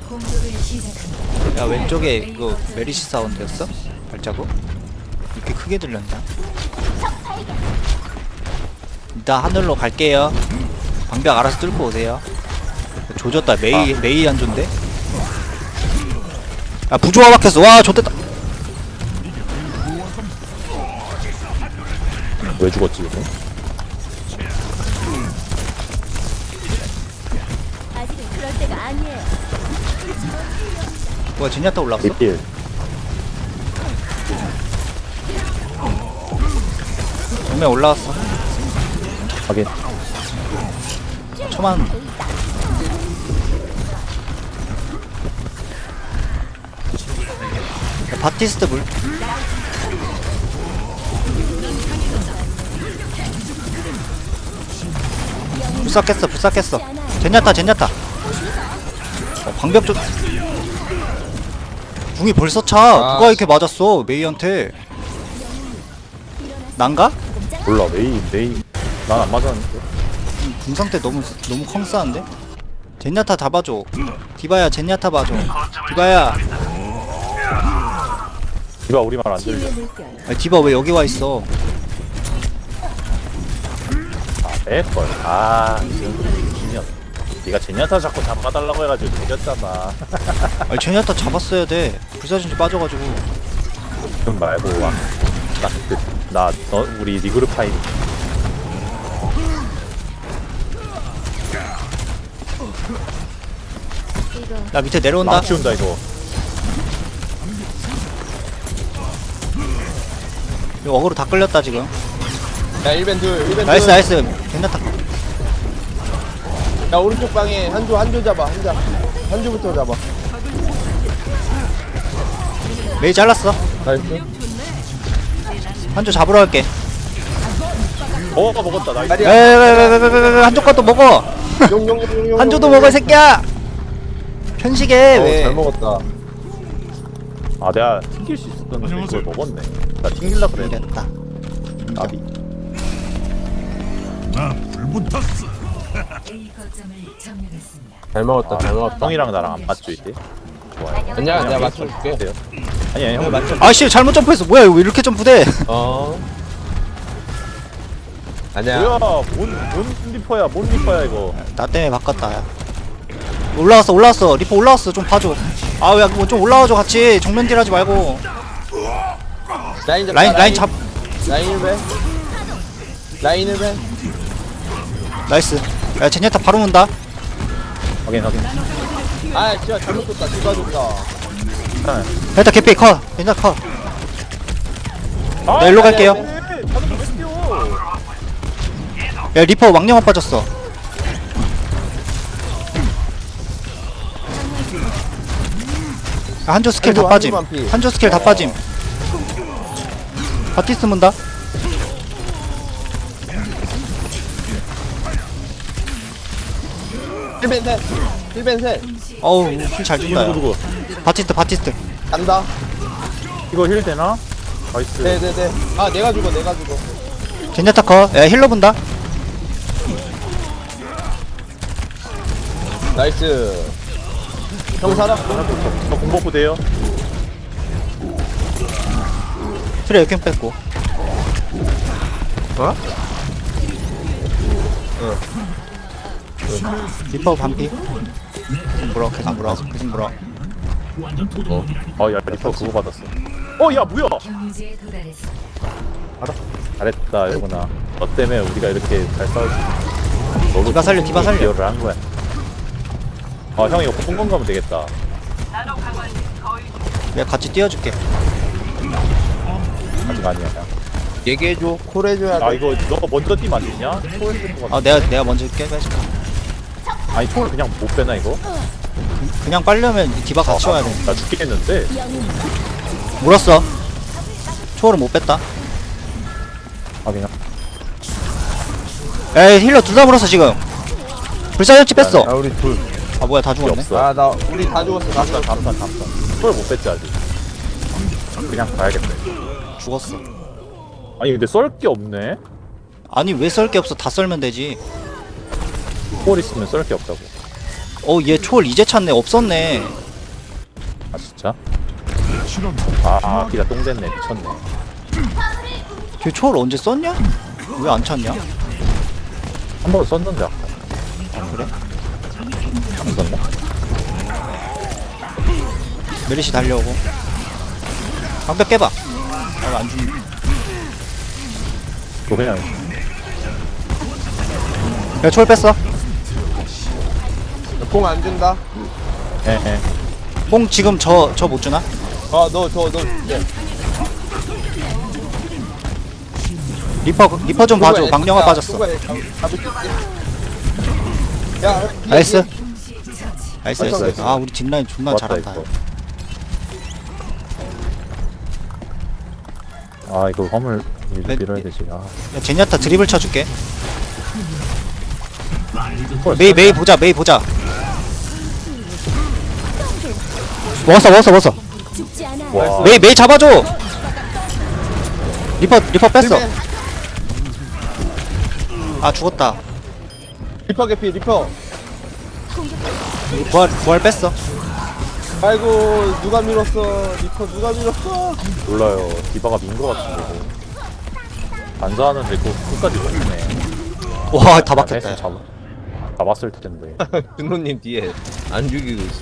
야 왼쪽에 이거 메리시 사운드였어? 발자국? 이렇게 크게 들렸냐? 일단 하늘로 갈게요. 방벽 알아서 뚫고 오세요. 조졌다. 메이 안 좋은데? 야 부조화 박혔어. 와 좋댔다. 왜 죽었지 이거? 아직은 그럴 때가 아니에요. 뭐야 제냐타 올라왔어? 리필. 정면 올라왔어. 확인. 초만. 야, 바티스트 물. 불싹했어. 제냐타. 방벽 좀. 궁이 벌써 차. 누가 이렇게 맞았어 메이한테. 난가? 몰라 메이. 난 안 맞았는데. 궁 상태 너무 컹싸한데? 젠야타 잡아줘. 디바야 젠야타 봐줘. 디바야. 디바 우리 말 안 들려. 치유의 물결. 아니, 디바 왜 여기 와 있어? 뺄걸. 지금 네가 제냐타 자꾸 잡아달라고 해가지고 내렸잖아. 아니 젠야타 잡았어야 돼. 불사진지 빠져가지고. 그럼 말고 와. 너 우리 리그룹 파이. 이거 나 밑에 내려온다. 망치운다 이거. 이거 어그로 다 끌렸다 지금. 야 1벤 둘 1벤 나이스. 젠야타. 야 오른쪽 방에 한조 잡아 한조부터 잡아. 메이 잘랐어. 나이스. 한조 잡으러 갈게. 먹었다. 나이스. 다리야. 왜 한조 것도 먹어. 용용용용. 한조도 먹어 이 새끼야. 편식해 왜? 잘 먹었다. 아 내가 튕길 수 있었는데 그걸 먹었네. 나 튕길라 그래. 이랬다. 나비. 잘 먹었다. 잘 먹었다. 형이랑 나랑 안 맞죠 이제? 좋아요. 아니야 내가 맞춰줄게. 돼요? 아니 형 맞죠. 아씨 잘못 점프했어. 뭐야 이거 왜 이렇게 점프돼? 아니야. 뭐야? 뭔 리퍼야 이거? 나 때문에 바꿨다. 야. 올라왔어. 리퍼 올라왔어. 좀 봐줘. 아야 뭐 좀 올라와줘 같이. 정면 딜하지 말고. 라인 잡. 라인 1벤. 라인 1벤. 나이스. 야 제냐타 바로 문다. 확인. 아 진짜 잘못 줬다. 누가 줬다. 일단 개피 컷. 괜찮아 컷. 아, 나 일로 갈게요. 다들 왜 뛰어? 야 리퍼 왕령아 빠졌어. 야, 한조 스킬 다 한조, 빠짐. 한조만 피. 한조 스킬 다 빠짐. 바티스 문다. 힐벤 셋. 힐벤 셋. 어우 힐잘 준다. 야. 누구? 바티스트. 간다. 이거 힐 되나? 나이스. 네네네. 아 내가 죽어. 제냐타 컷. 야 힐러 본다. 나이스. 형 살았고. 저 공복부 돼요? 트레 역행 뺐고. 리퍼 반피. 계속 물어. 야 리퍼 그거 받았어. 야 뭐야? 잘했다 이거구나. 너 때문에 우리가 이렇게 잘 싸울 수 있어. 디바 살려. 기여를 한 거야. 형 이거 공공 가면 되겠다. 내가 같이 뛰어줄게. 아직 아니야. 얘기해줘. 콜해줘야 돼. 이거 너가 먼저 뛰면 안 되냐? 초월 쓸것 같아. 아 내가 먼저 깨줄게. 아니 초월 그냥 못 빼나 이거? 그냥 빨려면 디바 같이 와야 돼. 나 죽겠는데. 물었어. 초월은 못 뺐다. 그냥. 에이 힐러 둘 다 물었어 지금. 불사절치 뺐어. 아 우리 둘. 아 뭐야 다 죽었네. 없어. 아 나 우리 다 죽었어. 잠깐. 초월 못 뺐지 아직. 그냥 가야겠다. 죽었어. 아니 근데 썰 게 없네. 아니 왜 썰 게 없어. 다 썰면 되지. 초월 있으면 썰 게 없다고. 얘 초월 이제 찾네. 없었네. 아 진짜? 아 기가 똥 됐네. 미쳤네. 걔 초월 언제 썼냐? 왜 안 찾냐? 한 번 썼는데 아까. 그래? 안 썼나? 메리시 달려오고. 방벽 깨봐. 안 죽네. 그거 그냥 야 초월 뺐어. 공 안 준다. 에에. 뽕 지금 저 못 주나? 너 네. 리퍼 좀 봐줘. 망령아 빠졌어. 잡을 수 있지. 야, 나이스. 나이스 나이스. 나이스. 아 우리 뒷라인 존나 좋았다, 잘한다. 이거. 아 이거 화물 밀어야 되지. 아 야 제니아타 드리블 쳐줄게. 메이 보자. 메이 보자. 먹었어. 죽지 않아. 와. 메이 잡아줘. 리퍼 뺐어. 아 죽었다. 리퍼 개피 리퍼. 부활 뺐어. 아이고 누가 밀었어. 리퍼 누가 밀었어. 몰라요. 디바가 민 거 같은데. 반사하는데 그 끝까지 먹네. 와 다 됐어, 막혔다. 잡았을 텐데. 준호님 뒤에 안 죽이고 있어.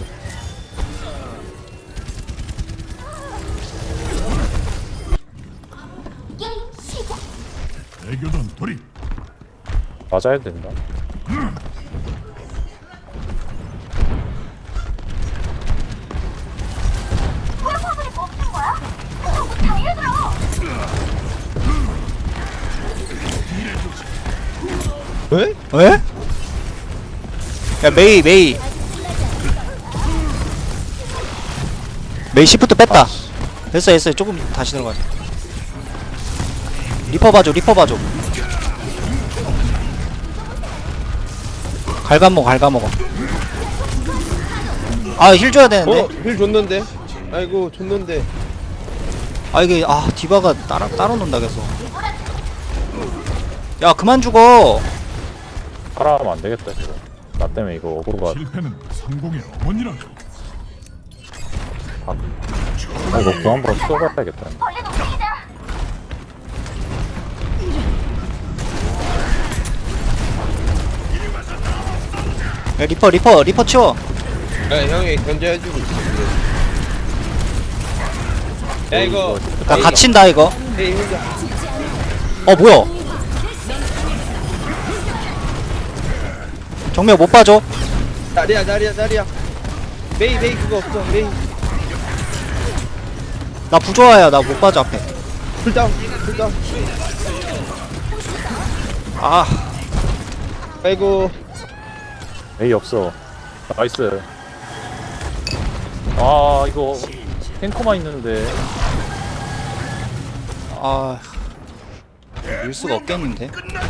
애교전 돌입. 맞아야 된다. 왜? 에? 야 메이 시프트 뺐다. 됐어 조금 다시 들어가자. 리퍼 봐줘. 갉아먹어. 아 힐 줘야 되는데. 힐 줬는데. 아이고 줬는데. 아 이게 디바가 따로 논다 계속. 야 그만 죽어. 살아가면 안 되겠다 이거. 나 때문에 이거 어그로가. 실패는 성공의 어머니라고. 이거 그만보라 쏘가야겠다. 야 리퍼 치워. 야 형이 견제해주고 있어. 야 이거. 나 갇힌다 이거. 에이 혼자. 뭐야? 정면 못 봐줘. 자리야. 메이 그거 없어. 메이. 나 부조화야. 나 못 봐줘 앞에. 풀다운. 아 아이고. 에이 없어. 나이스. 아 이거 탱커만 있는데. 밀 수가 없겠는데.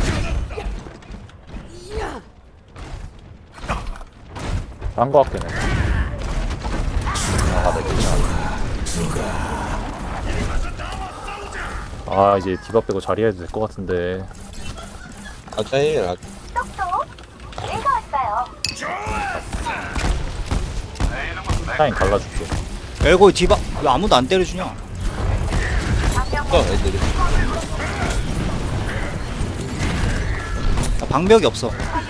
한거 같긴 해. 이제 디바 빼고 자리해도 될 것 같은데. 짜이라. 타임 갈라줄게. 엘고 디바 왜 아무도 안 때려주냐? 애들이. 나 방벽이 없어.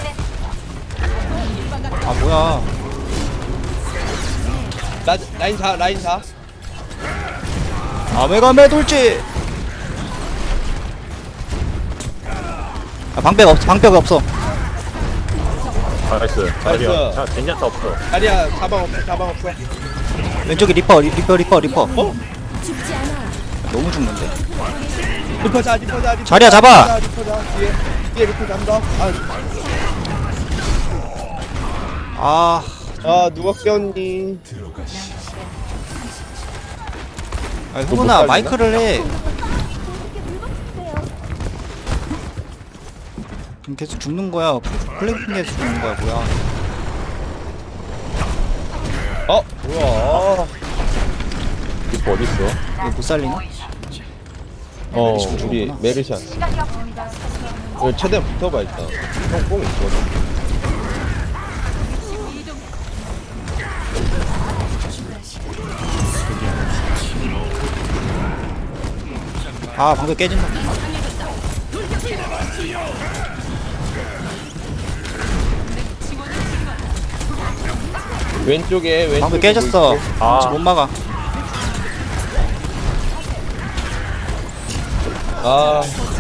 뭐야? 라인 4. 아메가메 돌지. 방벽 없어. 나이스. 자리야. 자 젠야타 없어. 자리야 사방 없어. 왼쪽에 리퍼. 죽지 않아. 너무 죽는데. 리퍼 자. 자리야, 잡아. 리퍼 자. 뒤에 리퍼 잡다. 누가 깨웠니? 흥분아 마이크를 해. 계속 죽는 거야. 플랭킹에서 죽는 거야 뭐야? 뭐야? 리퍼 어딨어? 이거 못 살리나? 우리 메르시안. 최대한 붙어봐 일단. 형뽕 있거든. 아 방금 깨진다. 왼쪽에 방금 깨졌어. 아. 지금 못 막아. 아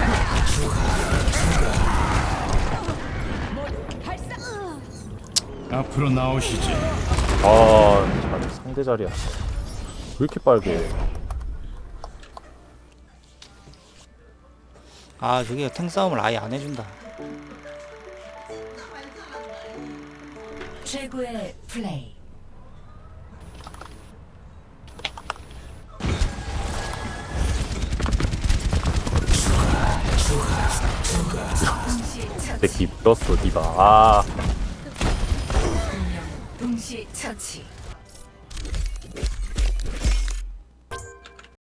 앞으로 나오시지. 아, 상대 자리야. 왜 이렇게 빨개? 아 저기가 탱 싸움을 아예 안 해준다. 최고의 플레이. 내 기 밀었어, 디바. 아, 동시 처치.